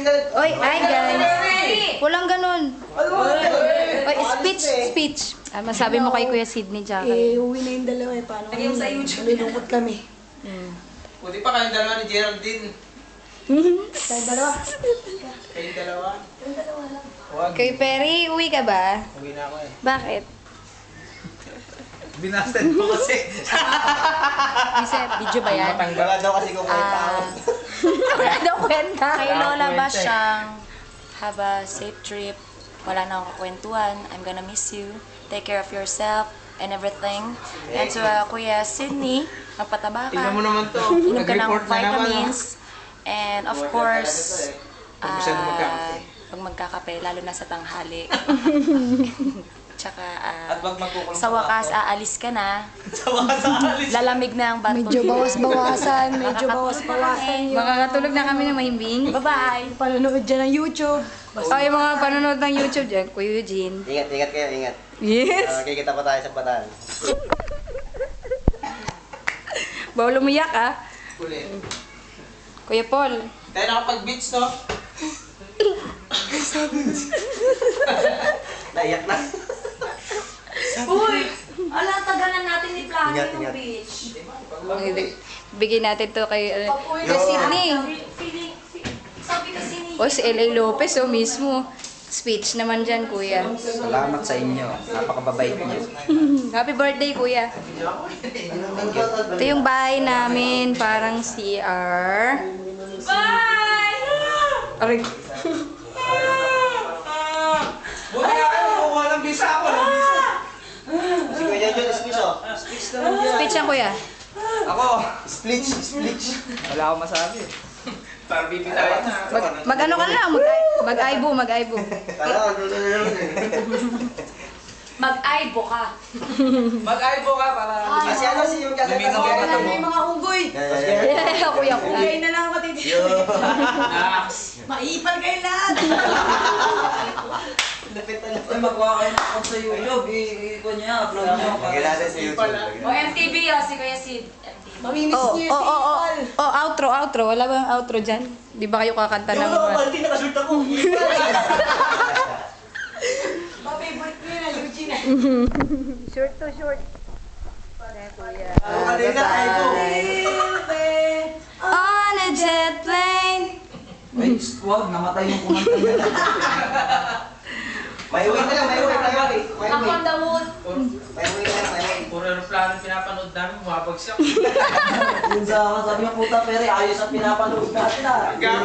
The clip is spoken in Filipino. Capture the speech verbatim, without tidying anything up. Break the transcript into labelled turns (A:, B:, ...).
A: Oy, ay guys. Walang ganun. Oy, speech, speech. Ah, masabi mo kay Kuya Sidney Jackie.
B: Eh, uwi na yung dalawa eh. Paano kami?
C: sa YouTube.
B: Nalulungkot kami.
D: Buti pa kayong dalawa ni Geraldine.
B: Tayo dalawa.
D: Kayong dalawa.
B: Yung dalawa lang.
D: Huwag.
A: Kay Perry, uwi ka ba?
D: Uwi na ako eh.
A: Bakit?
D: Binasted mo kasi.
A: Kasi video ba yan?
D: Wala daw kasi kung may tao.
A: Ah, wala daw kwenta. Kay Lola
D: Kwenta eh.
A: Basyang, have a safe trip. Wala na akong kakwentuhan. I'm gonna miss you. Take care of yourself and everything. And to uh, Kuya Sidney, magpataba ka.
D: Tingnan mo naman to.
A: Inom ka ng
D: Nag-report na naman.
A: vitamins. And of course,
D: Pag masyado
A: ah,
D: magkakape.
A: pag magkakape, lalo na sa tanghali. Tsaka, ah,
D: At wag magkukulong
A: sa wakas, aalis ka na.
D: Sa wakas aalis.
A: Lalamig na ang bato.
B: Medyo bawas-bawasan. Medyo bawas-bawasan yun.
A: Makakatulog na kami ng mahimbing. Bye-bye!
B: Panonood dyan ng YouTube.
A: Oh, yung mga panonood ng YouTube dyan, Kuya Eugene.
E: Ingat, ingat kayo, ingat.
A: Yes!
E: Uh, kikita pa tayo sa Bataan.
A: Bawal umiyak ah.
D: Ulit.
A: Kuya Paul.
D: Tayo nakapag-beach to.
E: Naiyak na.
C: Uy! Ala, tagalan natin ni Plano
E: Ingat,
C: yung
E: ingat.
C: beach.
A: Bigyan natin to kay uh,
C: Pag-uwi
A: Kuya Sidney.
C: Feeling, sabi kasi ni...
A: O si L A Lopez o mismo. Speech naman dyan, Kuya.
E: Salamat sa inyo. Napakababait niyo.
A: Happy birthday, Kuya. Ito yung bahay namin, parang C R.
C: Bye!
A: Aray.
D: Buti nga kayo, kukuha ng visa ako. Ng visa.
E: Si Kuya John, speech oh. Speech naman yan.
A: Speech yan, Kuya.
D: Ako.
E: Speech, speech.
D: Wala akong masabi. Para bibitayin na.
A: Mag, mag ano ka lang, mag, mag-aibo, mag-aibo.
E: Kala ko, doon na naman eh.
C: Mag-aibo ka.
D: Mag-aibo ka para...
E: Kasi ano si yung kakita
D: Lumingon
E: sa
D: ka
E: mga
D: na mo.
B: mga unggoy.
A: Yeah, Kuya ko.
B: Unggoy na lang ako titi.
D: Ax.
B: Maipal kayo lahat.
E: Lapit na lapit.
F: Ay, magawa kayo ng account sa YouTube. I-iko niya, upload niyo.
E: Lagyan natin sa YouTube.
C: O M T V oh, si Kuya Sid. M T V.
B: Mamimiss
A: Oh,
B: niyo
A: oh,
B: si
A: oh, oh,
B: Ipal.
A: oh, outro, outro. Wala bang outro dyan? Di ba kayo kakanta ng...
E: Hindi nakasult ako.
B: Pa-favorite ko yun ah, Eugene ah.
A: Short to short. Kuya.
E: Ako kanina, ay go.
A: On a jet plane.
F: Ay, wag, namatay yung kumanta niya.
E: May uwi na lang, may uwi, may uwi. May
C: Knock
E: uwi.
C: on the wood.
E: May uwi na lang, may uwi.
D: Puro aeroplano pinapanood namin, bumabagsak.
F: Yun sa sabi ng puta, pero ayos ang pinapanood natin ah.